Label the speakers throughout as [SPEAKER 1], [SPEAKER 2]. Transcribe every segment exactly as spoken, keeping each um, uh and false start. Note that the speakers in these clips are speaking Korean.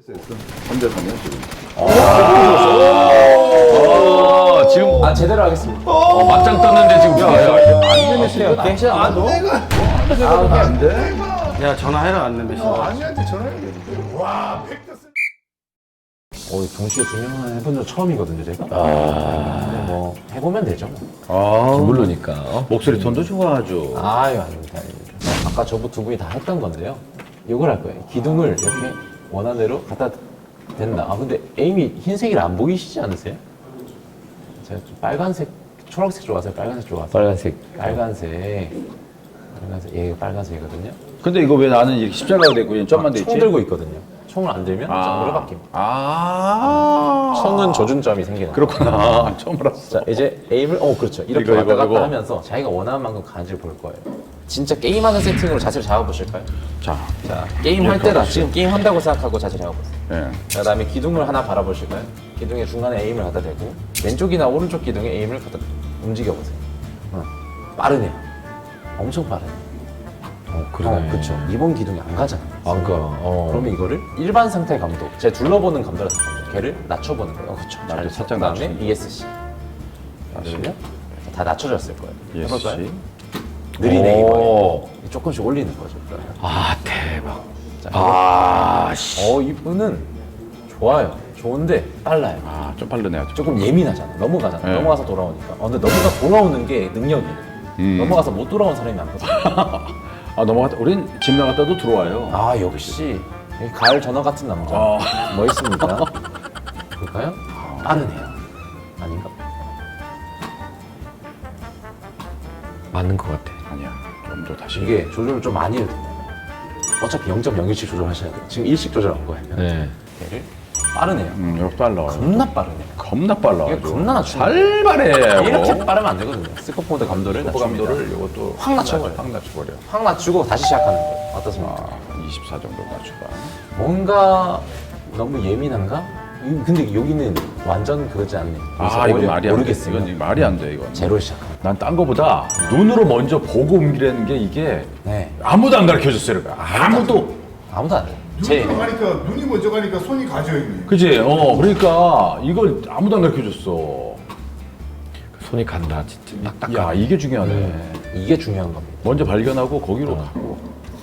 [SPEAKER 1] 삼 대 삼이야 지금.
[SPEAKER 2] 어, 지금
[SPEAKER 3] 아 제대로 하겠습니다.
[SPEAKER 2] 어, 맞짱 떴는데 지금 뭐예요?
[SPEAKER 1] 안 되면 씨가
[SPEAKER 3] 혹시 안 돼?
[SPEAKER 1] 안 돼?
[SPEAKER 4] 야 전화해라 안 되면
[SPEAKER 1] 어, 아니한테 전화해야겠는데. 와, 팩트 쓰.
[SPEAKER 3] 어, 동시에 두 명은 해본 적 처음이거든요, 제가. 아, 뭐 해보면 되죠. 뭐.
[SPEAKER 4] 아
[SPEAKER 2] 물론이니까. 어?
[SPEAKER 4] 목소리 톤도 좋아하죠.
[SPEAKER 3] 아유, 아닙니다, 아닙니다. 아까 저부 두 분이 다 했던 건데요. 이걸 할 거예요. 기둥을 이렇게 원하는 대로 갖다 댄다. 아, 근데 에임이 흰색이라 안 보이시지 않으세요? 제가 좀 빨간색, 초록색 좋아하세요? 빨간색 좋아하세요?
[SPEAKER 2] 빨간색.
[SPEAKER 3] 빨간색. 빨간색. 얘가 빨간색이거든요.
[SPEAKER 4] 근데 이거 왜 나는 이렇게 십자가가 되고 그냥 점만 돼 있지?
[SPEAKER 3] 총 들고 있거든요. 총을 안 들면
[SPEAKER 4] 아.
[SPEAKER 3] 점으로 바뀝니다.
[SPEAKER 4] 아
[SPEAKER 3] 총은 조준점이 생겨요.
[SPEAKER 4] 그렇구나. 처음 알았어.
[SPEAKER 3] 자, 이제 에임을, 어, 그렇죠. 이렇게
[SPEAKER 4] 이거,
[SPEAKER 3] 왔다
[SPEAKER 4] 이거,
[SPEAKER 3] 갔다
[SPEAKER 4] 이거.
[SPEAKER 3] 하면서 자기가 원하는 만큼 가는지를 볼 거예요. 진짜 게임하는 세팅으로 자세를 잡아보실까요?
[SPEAKER 4] 자,
[SPEAKER 3] 자, 게임할 때다. 지금 게임한다고 생각하고 자세 잡아보세요.
[SPEAKER 4] 예.
[SPEAKER 3] 그 다음에 기둥을 하나 바라보실까요? 기둥의 중간에 에임을 갖다 대고 왼쪽이나 오른쪽 기둥에 에임을 갖다 움직여보세요. 어. 빠르네요. 엄청 빠르네요.
[SPEAKER 2] 어, 그러네.
[SPEAKER 3] 어, 그렇죠. 이번 기둥이 안 가잖아요.
[SPEAKER 2] 안 가. 어.
[SPEAKER 3] 그러면 이거를 일반 상태 감도, 제 둘러보는 감도라서 감도, 걔를 낮춰보는 거예요. 어, 그렇죠.
[SPEAKER 4] 나도 살짝
[SPEAKER 3] 그다음에
[SPEAKER 4] 낮추는 거.
[SPEAKER 3] 이에스씨. 그러면 다 낮춰졌을 거예요. 해볼까요?
[SPEAKER 4] 예시.
[SPEAKER 3] 느린
[SPEAKER 2] 오.
[SPEAKER 3] 에이머예요. 조금씩 올리는 거죠.
[SPEAKER 2] 아, 대박.
[SPEAKER 3] 자,
[SPEAKER 2] 아, 씨.
[SPEAKER 3] 어, 이분은 좋아요. 좋은데 빨라요.
[SPEAKER 4] 아, 좀 빠르네요. 좀.
[SPEAKER 3] 조금 예민하잖아. 넘어가잖아.
[SPEAKER 4] 네.
[SPEAKER 3] 넘어가서 돌아오니까. 어, 근데 넘어가 돌아오는 게 능력이에요.
[SPEAKER 4] 음.
[SPEAKER 3] 넘어가서 못 돌아온 사람이 많거든요.
[SPEAKER 4] 아, 넘어갔다. 우린 집 나갔다도 들어와요.
[SPEAKER 3] 아, 역시 가을 전어 같은 남자.
[SPEAKER 4] 어.
[SPEAKER 3] 멋있습니다. 볼까요? 빠르네요. 아닌가?
[SPEAKER 2] 맞는 것 같아.
[SPEAKER 4] 아니야. 좀 더 다시.
[SPEAKER 3] 이게 조절을 좀 많이 해도 돼요. 어차피 영 점 영일씩 조절하셔야 돼요. 지금 일씩 조절한 거예요.
[SPEAKER 2] 네.
[SPEAKER 3] 얘를 빠르네요.
[SPEAKER 4] 음, 이거 빨라.
[SPEAKER 3] 겁나 빠르네요.
[SPEAKER 4] 겁나 빨라.
[SPEAKER 3] 이게 겁나 낮추
[SPEAKER 4] 살발해.
[SPEAKER 3] 이렇게 빠르면 안 되거든요. 스코포드 감도를
[SPEAKER 4] 스코프
[SPEAKER 3] 낮춥니다.
[SPEAKER 4] 감도를 이것도
[SPEAKER 3] 확 낮춰버려요.
[SPEAKER 4] 확 낮춰버려.
[SPEAKER 3] 확 낮추고 다시 시작하는 거예요. 어떻습니까?
[SPEAKER 4] 아, 이십사 정도 낮춰봐.
[SPEAKER 3] 뭔가 너무 예민한가? 이- 근데 여기는 완전 그거지 않네.
[SPEAKER 4] 아, 이거 말이 안 돼.
[SPEAKER 3] 모르겠어요.
[SPEAKER 4] 이건 말이 안 돼, 이건.
[SPEAKER 3] 제로 시작하는.
[SPEAKER 4] 난 딴 거보다 눈으로 먼저 보고 옮기라는 게 이게
[SPEAKER 3] 네.
[SPEAKER 4] 아무도 안 가르쳐 줬어요. 이거. 아무도.
[SPEAKER 3] 아무도 안 돼.
[SPEAKER 1] 눈이
[SPEAKER 3] 제
[SPEAKER 1] 가니까 눈이 먼저 가니까 손이 가죠 형님.
[SPEAKER 4] 그지? 어, 그러니까 이걸 아무도 안 가르쳐 줬어.
[SPEAKER 2] 손이 간다, 진짜. 딱딱.
[SPEAKER 4] 야, 이게 중요하네.
[SPEAKER 3] 이게 중요한 겁니다.
[SPEAKER 4] 먼저 발견하고 거기로 가고.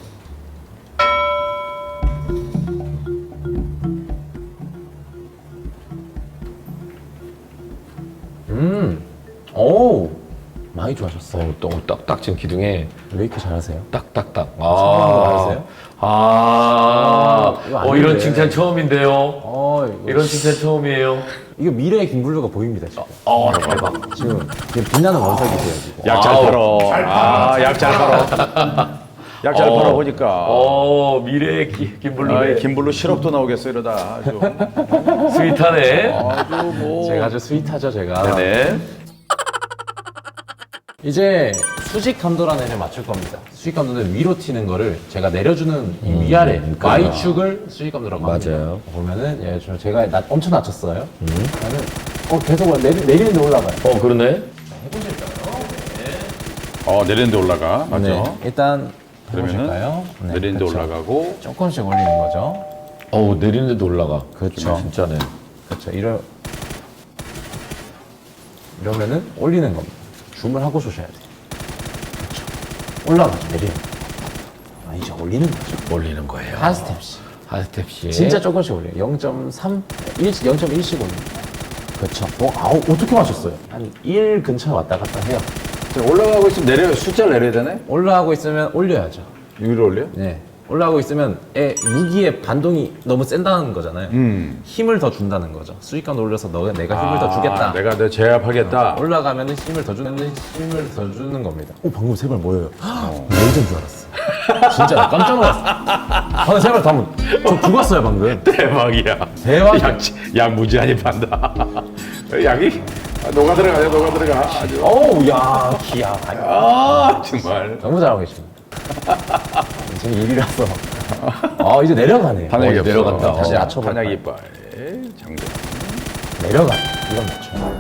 [SPEAKER 3] 음. 오. 많이 좋아졌어요.
[SPEAKER 2] 어, 또 딱딱 지금 기둥에
[SPEAKER 3] 왜 이렇게 잘하세요?
[SPEAKER 2] 딱딱딱.
[SPEAKER 3] 성공한 거 알았어요?
[SPEAKER 2] 아,
[SPEAKER 3] 이거
[SPEAKER 2] 어,
[SPEAKER 3] 아닌데.
[SPEAKER 2] 이런 칭찬 처음인데요.
[SPEAKER 3] 어, 이거,
[SPEAKER 2] 이런 칭찬 처음이에요.
[SPEAKER 3] 이거 미래의 김블루가 보입니다, 지금.
[SPEAKER 2] 어, 대박.
[SPEAKER 3] 지금, 지금 빛나는 원석이세요, 지금.
[SPEAKER 4] 약 잘
[SPEAKER 2] 아우.
[SPEAKER 4] 팔어. 아, 약 잘 팔어. 약 잘
[SPEAKER 2] 어.
[SPEAKER 4] 팔어 보니까.
[SPEAKER 2] 어, 미래의 기,
[SPEAKER 4] 아,
[SPEAKER 2] 김블루의
[SPEAKER 4] 김블루 시럽도 나오겠어 이러다 아주.
[SPEAKER 2] 스윗하네.
[SPEAKER 4] 아주 뭐.
[SPEAKER 3] 제가 아주 스윗하죠, 제가.
[SPEAKER 2] 네네.
[SPEAKER 3] 이제 수직 감도라는 애를 맞출 겁니다. 수직 감도는 위로 튀는 거를 제가 내려주는 이 위아래 Y축을 수직 감도라고 합니다.
[SPEAKER 2] 맞아요.
[SPEAKER 3] 보면은 예, 저 제가 나, 엄청 낮췄어요. 그러면 어 계속 내리, 내리는데 올라가요.
[SPEAKER 2] 어, 그러네.
[SPEAKER 4] 어, 내리는데 올라가. 맞아.
[SPEAKER 3] 네, 일단
[SPEAKER 4] 그러면은
[SPEAKER 3] 해보실까요? 네,
[SPEAKER 4] 내리는데
[SPEAKER 3] 그렇죠.
[SPEAKER 4] 올라가고.
[SPEAKER 3] 조금씩 올리는 거죠.
[SPEAKER 2] 어우, 내리는데도 올라가.
[SPEAKER 3] 그렇죠.
[SPEAKER 2] 진짜네.
[SPEAKER 3] 그렇죠. 이러 이러면은 올리는 겁니다. 줌을 하고 쏘셔야 돼요. 그렇죠. 올라가죠. 내리는 거. 아, 이제 올리는 거죠.
[SPEAKER 2] 올리는 거예요.
[SPEAKER 3] 한 스텝씩.
[SPEAKER 2] 한 스텝씩.
[SPEAKER 3] 진짜 조금씩 올려요. 영 점 삼, 일, 영 점 일씩 올려요. 그렇죠. 어, 아우, 어떻게 맞췄어요? 한 일 근처 왔다 갔다 해요.
[SPEAKER 4] 올라가고 있으면 내려 숫자를 내려야 되네.
[SPEAKER 3] 올라가고 있으면 올려야죠.
[SPEAKER 4] 위로 올려?
[SPEAKER 3] 네. 올라가고 있으면 애, 무기의 반동이 너무 센다는 거잖아요.
[SPEAKER 4] 음.
[SPEAKER 3] 힘을 더 준다는 거죠. 수익감 올려서 너, 내가 힘을 더 주겠다.
[SPEAKER 4] 아, 내가 내 제압하겠다.
[SPEAKER 3] 올라가면 힘을 더 주는, 힘을 더 주는 겁니다. 오, 방금 세 발 뭐예요? 레이저인 줄 알았어. 진짜 나 깜짝 놀랐어. 방금 세 발 다, 저 죽었어요, 방금.
[SPEAKER 4] 대박이야.
[SPEAKER 3] 대박이야.
[SPEAKER 4] 약, 약 무지하게 판다. 약이 아, 녹아 들어가요, 녹아 들어가. 아주.
[SPEAKER 3] 어우, 야, 기야.
[SPEAKER 4] 아, 정말.
[SPEAKER 3] 너무 잘하고 계십니다. 지금 일이라서. 아, 이제 내려가네요.
[SPEAKER 4] 탄약이
[SPEAKER 3] 어,
[SPEAKER 4] 없어.
[SPEAKER 3] 내려간다. 다시
[SPEAKER 4] 어,
[SPEAKER 3] 낮춰볼까요?
[SPEAKER 4] 탄약 이빨. 장전.
[SPEAKER 3] 내려가. 이건 맞죠.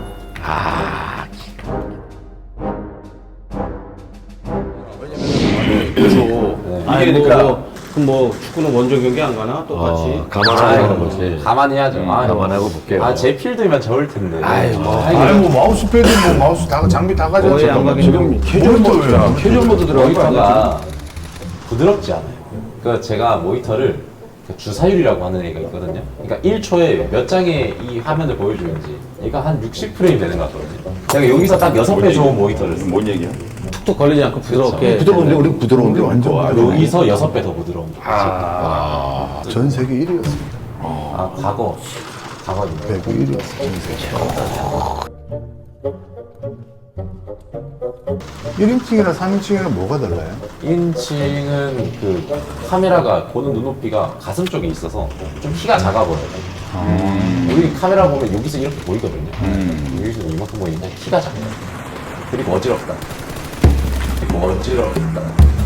[SPEAKER 4] 그래서
[SPEAKER 3] 아니,
[SPEAKER 4] 이게
[SPEAKER 3] 뭐,
[SPEAKER 4] 그러니까
[SPEAKER 3] 뭐,
[SPEAKER 5] 그럼 뭐 축구는 원정 경기 안 가나? 똑같이.
[SPEAKER 2] 어, 감안하고 하는 거지.
[SPEAKER 3] 가만히 해야죠. 아,
[SPEAKER 2] 감안하고 볼게요.
[SPEAKER 3] 아, 제 필드면 저을 텐데.
[SPEAKER 2] 아이, 뭐.
[SPEAKER 1] 아니 뭐 마우스 패드 뭐 마우스 다 장비 다 가져.
[SPEAKER 5] 거의 안 가긴
[SPEAKER 1] 지금 캐주얼 모드 캐주얼 모드 들어간 거 아니야?
[SPEAKER 3] 모니터가 부드럽지 않아요. 그 제가 모니터를 그 주사율이라고 하는 애가 있거든요. 그러니까 일 초에 몇 장의 이 화면을 보여주는지 얘가 한 육십 프레임 되는 것 같거든요. 제가 여기서 딱 여섯 배 좋은 모니터를 써요.
[SPEAKER 4] 뭔 얘기야?
[SPEAKER 5] 툭툭 걸리지 않고 부드럽게.
[SPEAKER 1] 부드러운데 우리 부드러운데 완전 부드러워.
[SPEAKER 3] 여기서 여섯 배 더 부드러운 거.
[SPEAKER 1] 아, 전 세계 일 위였습니다.
[SPEAKER 3] 아, 과거. 과거입니다.
[SPEAKER 1] 백구 일 위였어. 전 세계. 일 인칭이랑 삼 인칭이랑 뭐가 달라요?
[SPEAKER 3] 일 인칭은 그 카메라가 보는 눈높이가 가슴 쪽에 있어서 좀 키가 작아 보여요. 우리 카메라 보면 여기서 이렇게 보이거든요. 여기서 이만큼 보이는데 키가 작아요. 그리고 어지럽다. 그리고 어지럽다.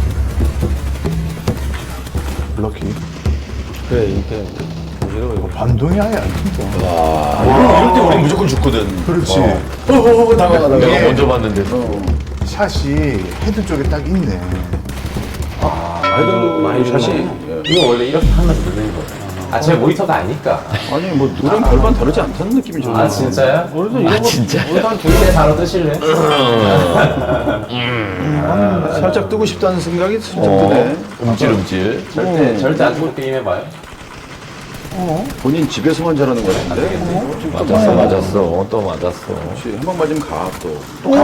[SPEAKER 1] 럭키.
[SPEAKER 5] 그래, 이렇게. 이러고 이거.
[SPEAKER 1] 반동이 아예 안 튕겨.
[SPEAKER 4] 이럴 때 우리 무조건 죽거든.
[SPEAKER 1] 그렇지.
[SPEAKER 4] 어어어 나가 나가.
[SPEAKER 2] 내가 먼저 봤는데.
[SPEAKER 1] 샷이 헤드 쪽에 딱 있네.
[SPEAKER 5] 아이도 많이 샷이.
[SPEAKER 3] 이거 원래 이렇게 하면서 누르는 거예요. 아, 제 모니터가 아니까.
[SPEAKER 4] 아니 뭐 누랑 별반 다르지 않다는 느낌이 좀.
[SPEAKER 3] 아, 진짜요?
[SPEAKER 5] 우리도 이런 거.
[SPEAKER 2] 진짜?
[SPEAKER 3] 우리도 한 두 개 바로 뜨실래?
[SPEAKER 4] 살짝 뜨고 싶다는 생각이 좀
[SPEAKER 2] 어,
[SPEAKER 4] 드네.
[SPEAKER 2] 움찔움찔.
[SPEAKER 3] 절대, 절대 안 죽을 게임 해봐요.
[SPEAKER 4] 본인 집에서만 잘하는 거 같은데.
[SPEAKER 2] 맞았어, 맞았어. 또 맞았어.
[SPEAKER 4] 혹시 한 방 맞으면 가 또.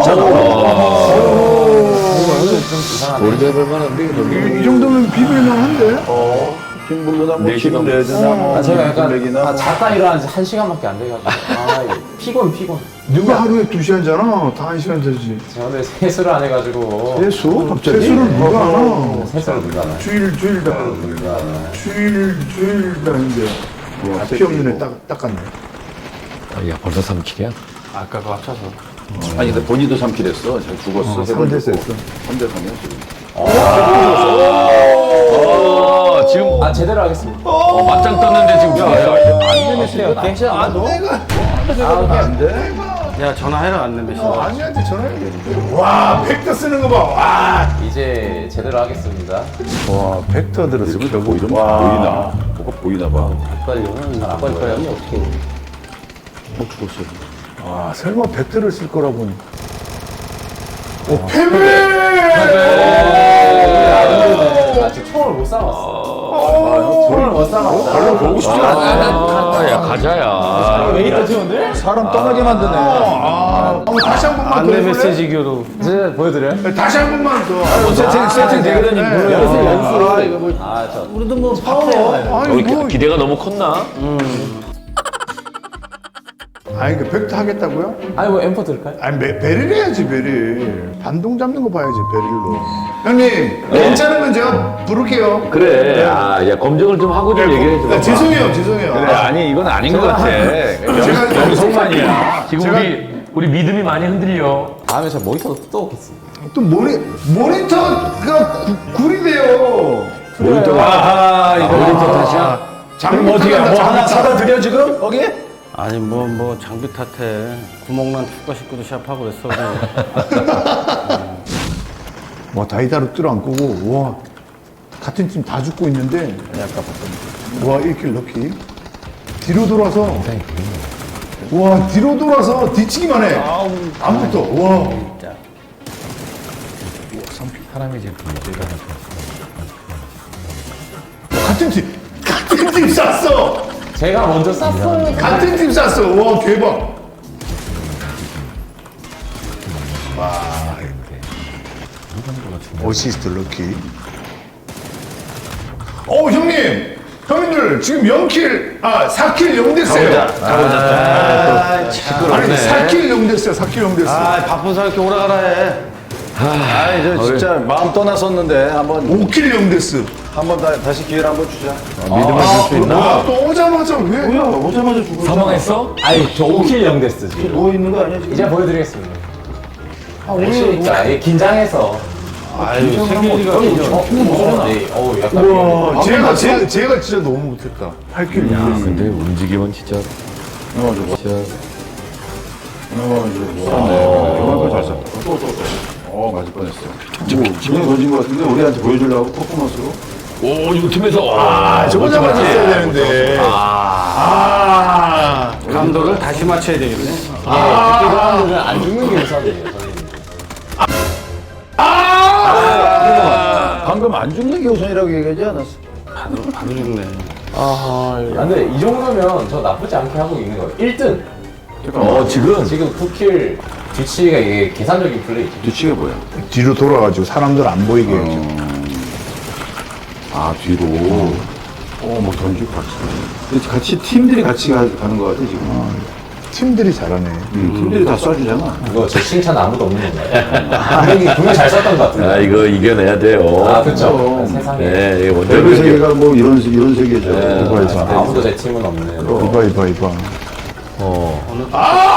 [SPEAKER 3] 좀 이상하네.
[SPEAKER 2] 우리 잡을 만한데,
[SPEAKER 1] 이, 이 정도면 비빌만 한데?
[SPEAKER 4] 킹블루나 뭐
[SPEAKER 2] 네 시간
[SPEAKER 4] 킹레드나 뭐
[SPEAKER 3] 아, 제가 약간
[SPEAKER 4] 블랙이나
[SPEAKER 3] 아,
[SPEAKER 4] 뭐.
[SPEAKER 3] 자다 일어난 지 한 시간밖에 안 돼가지고 아, 이거 피곤 피곤.
[SPEAKER 1] 누가 하루에 두 시간 자나? 다 한 시간 자지.
[SPEAKER 3] 제가 오늘 세수를 안 해가지고
[SPEAKER 1] 세수? 갑자기? 세수를 누가 하나?
[SPEAKER 3] 세수를 누가 하나?
[SPEAKER 1] 주일, 주일 다. 주일, 주일 다 했는데. 와, 피 없는 애 딱, 닦았네.
[SPEAKER 2] 야, 벌써 삼 킬이야?
[SPEAKER 5] 아까 그 합쳐서.
[SPEAKER 4] 아니 근데 본인도 삼 킬 했어. 잘 죽었어.
[SPEAKER 1] 삼 대 했어.
[SPEAKER 4] 삼 대 삼이야 지금.
[SPEAKER 2] 어, 지금
[SPEAKER 3] 아, 제대로 하겠습니다.
[SPEAKER 2] 어, 맞짱 떴는데 지금.
[SPEAKER 1] 안 돼?
[SPEAKER 5] 야, 전화해라, 안 내면.
[SPEAKER 1] 어, 아니한테 전화해야겠는데. 와, 벡터 쓰는 거 봐. 와.
[SPEAKER 3] 이제 제대로 하겠습니다.
[SPEAKER 1] 와, 벡터들을
[SPEAKER 4] 이러면 뭐 이러면 보이나? 뭐가 보이나 봐.
[SPEAKER 5] 빨리는 아빠 거야. 어떻게.
[SPEAKER 4] 뭐 죽었어.
[SPEAKER 1] 와, 설마 벡터를 쓸 거라고는. 오, 패배!
[SPEAKER 3] 아, 지금 총을 못 쏴봤어. 총을 못 쏴봤어.
[SPEAKER 4] 별로 보고 싶지 않아.
[SPEAKER 2] 아, 야, 가자야.
[SPEAKER 3] 왜 이렇게 좋은데?
[SPEAKER 1] 사람 떠나게 만드네. 아, 어, 다시 한 번만 더
[SPEAKER 5] 안내
[SPEAKER 1] 해볼래?
[SPEAKER 5] 메시지 교로.
[SPEAKER 3] 이제 보여드려요?
[SPEAKER 1] 다시 한 번만 더. 세팅, 세팅 되거든요.
[SPEAKER 3] 연습 연습.
[SPEAKER 1] 아, 이거 뭐.
[SPEAKER 3] 아, 저
[SPEAKER 5] 우리도 뭐 파워.
[SPEAKER 1] 아니,
[SPEAKER 2] 우리
[SPEAKER 1] 뭐.
[SPEAKER 2] 기- 기대가 너무 컸나?
[SPEAKER 1] 아니, 그 벡터 하겠다고요?
[SPEAKER 3] 아니 뭐 엠포 들을까요?
[SPEAKER 1] 아니, 베, 베릴 해야지, 베릴. 반동 잡는 거 봐야지, 베릴로. 형님, 괜찮으면 제가 부를게요.
[SPEAKER 2] 그래. 아, 야, 검증을 좀 하고 좀 얘기해 줘.
[SPEAKER 1] 아, 죄송해요, 죄송해요.
[SPEAKER 4] 그래 아니 이건 아닌 것 같아.
[SPEAKER 1] 제가
[SPEAKER 4] 영성만이야.
[SPEAKER 2] 지금
[SPEAKER 1] 제가-
[SPEAKER 2] 우리, 우리 믿음이 많이 흔들려.
[SPEAKER 3] 다음에 저 모니터도 또 오겠습니다.
[SPEAKER 1] 또 모니, 모니터가 구, 구리돼요.
[SPEAKER 2] 모니터가.
[SPEAKER 4] 아하 이거
[SPEAKER 2] 모니터 탓이야?
[SPEAKER 1] 장비
[SPEAKER 4] 어떻게
[SPEAKER 1] 탓한다,
[SPEAKER 4] 뭐
[SPEAKER 1] 장비
[SPEAKER 4] 하나
[SPEAKER 1] 탓.
[SPEAKER 4] 사다 드려 지금 거기?
[SPEAKER 5] 아니, 뭐, 뭐, 장비 탓해. 구멍난 축구 식구도 시합하고 그랬어. 그냥.
[SPEAKER 1] 와, 다이다로 뚫어 안 끄고, 와, 같은 팀 다 죽고 있는데, 아까 봤던 와, 일 킬 럭키. 뒤로 돌아서, 와, 뒤로 돌아서 뒤치기만 해. 안 붙어, 와.
[SPEAKER 2] 사람이 지금
[SPEAKER 1] 같은 팀, 같은 팀 쐈어!
[SPEAKER 3] 제가 먼저 쐈어요.
[SPEAKER 1] 같은 팀 쐈어! 와, 대박! 와, 어시스트 럭키. 어, 형님! 형님들, 지금 영 킬, 아, 사 킬 영 됐어요.
[SPEAKER 4] 아,
[SPEAKER 1] 아니, 사 킬 영 됐어요, 사 킬 영 됐어.
[SPEAKER 5] 아, 바쁜 사람 이렇게 오라가라 해.
[SPEAKER 4] 아이 저 진짜 마음 떠났었는데 한번
[SPEAKER 1] 오 킬 영 됐어.
[SPEAKER 4] 한번 다, 다시 기회를 한번 주자.
[SPEAKER 2] 믿음을 줄 수 있나?
[SPEAKER 1] 아, 또 오자마자 왜?
[SPEAKER 4] 뭐야 오자마자 죽어.
[SPEAKER 2] 사망했어?
[SPEAKER 3] 아니 저 오 킬 영 됐어 지금.
[SPEAKER 4] 누워 있는 거 아니야 지금?
[SPEAKER 3] 이제 보여드리겠습니다. 아, 오늘 자, 긴장해서.
[SPEAKER 5] 아유, 생일이가.
[SPEAKER 3] 어, 어, 네, 어우, 약간.
[SPEAKER 1] 와, 제가, 제가, 제가 진짜 너무 못했다. 팔 킬 영 됐어.
[SPEAKER 2] 근데 움직임은 진짜.
[SPEAKER 4] 넘어져.
[SPEAKER 2] 진짜.
[SPEAKER 4] 넘어져. 네, 이만큼 잘 쐈다. 또또또 어 맞을 뻔했어. 뭐 지금 던진 거 같은데 우리한테 보여주려고 퍼포먼스로. 오, 이거 팀에서.
[SPEAKER 1] 아, 저거 잡아줬어야 되는데. 아,
[SPEAKER 5] 감도를 다시 맞춰야 되겠네.
[SPEAKER 3] 아, 그때 사람들은 안 죽는 게 우선이에요. 선생님.
[SPEAKER 1] 방금 안 죽는 게 우선이라고 얘기하지 않았어?
[SPEAKER 5] 바로, 바로 죽네.
[SPEAKER 3] 아, 근데 이 정도면 저 나쁘지 않게 하고 있는 거예요. 일 등.
[SPEAKER 4] 어, 지금.
[SPEAKER 3] 지금 쿠킬 뒤치기가 이게 계산적인 플레이죠.
[SPEAKER 4] 뒤치가 뭐야?
[SPEAKER 1] 뒤로 돌아가지고 사람들 안 보이게 해야죠.
[SPEAKER 4] 아, 뒤로. 어, 뭐 던지고 같이. 근데 같이 팀들이 같이 가, 가는 거 같아, 지금.
[SPEAKER 1] 팀들이 잘하네.
[SPEAKER 4] 음, 팀들이 다 쏴주잖아.
[SPEAKER 3] 이거 제 칭찬 아무도 없는 건가요? 분명히, 분명히 잘 썼던 것 같은데.
[SPEAKER 2] 아, 이거 이겨내야 돼요.
[SPEAKER 3] 아, 그쵸. 세상에.
[SPEAKER 2] 네, 이게 원정
[SPEAKER 4] 벨벳
[SPEAKER 2] 경기.
[SPEAKER 4] 세계가 뭐 이런, 세- 이런 세계죠.
[SPEAKER 1] 이거 이봐.
[SPEAKER 3] 아무도 제 팀은 없는.
[SPEAKER 1] 이봐, 이봐, 이봐.
[SPEAKER 2] 어.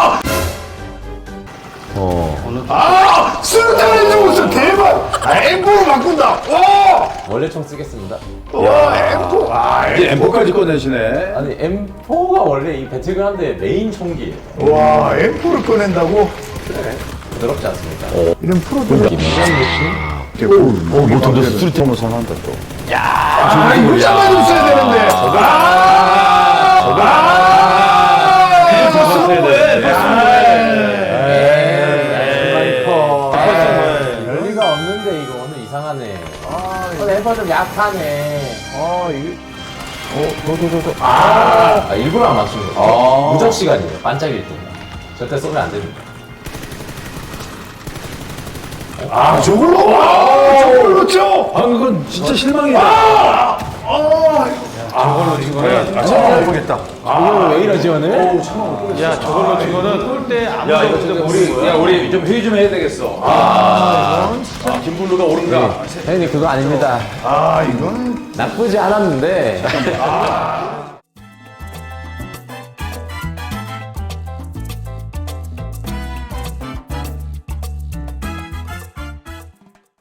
[SPEAKER 2] 어.
[SPEAKER 1] 아! 수류탄을 죽었어! 대박! 아, 엠포로 바꾼다! 와!
[SPEAKER 3] 원래 총 쓰겠습니다.
[SPEAKER 1] 와, 엠포! 아,
[SPEAKER 4] 이제 엠포까지 꺼내시네.
[SPEAKER 3] 아니, 엠 포가 원래 이 배틀그라운드의 메인 총기예요.
[SPEAKER 1] 와, 엠포를 꺼낸다고?
[SPEAKER 3] 부드럽지 않습니까?
[SPEAKER 1] 이런 프로들.
[SPEAKER 2] 오, 뭐 던졌어. 수리탄 뭐 상한다 또.
[SPEAKER 1] 아, 이거 잡아줬어야 되는데. 아! 아! 이거 봤으면 뭐해?
[SPEAKER 3] 열리가 없는데 이거 오늘 이상하네. 아, 엠퍼 좀 약하네.
[SPEAKER 1] 아, 이게.
[SPEAKER 3] 아, 일부러 안 맞추는 거. 무적 시간이에요. 반짝일 때. 절대 쏘면 안 됩니다.
[SPEAKER 1] 아, 저걸로? 와! 저걸로 쳐!
[SPEAKER 4] 아, 그건 진짜 실망이다.
[SPEAKER 1] 아! 아!
[SPEAKER 5] 저걸로 치고는
[SPEAKER 4] 아, 처음 해보겠다.
[SPEAKER 3] 이거 왜 이러지 오늘?
[SPEAKER 5] 야 저걸로 치고는 꼴대 아무도
[SPEAKER 4] 야, 이거
[SPEAKER 5] 없을
[SPEAKER 4] 진짜
[SPEAKER 5] 때
[SPEAKER 4] 우리,
[SPEAKER 5] 보는
[SPEAKER 4] 야,
[SPEAKER 5] 거야.
[SPEAKER 4] 우리 좀 회의 좀 해야 되겠어. 아, 아 김블루가 옳은가?
[SPEAKER 3] 형님 그거 아닙니다.
[SPEAKER 1] 아, 이거는.
[SPEAKER 3] 나쁘지 않았는데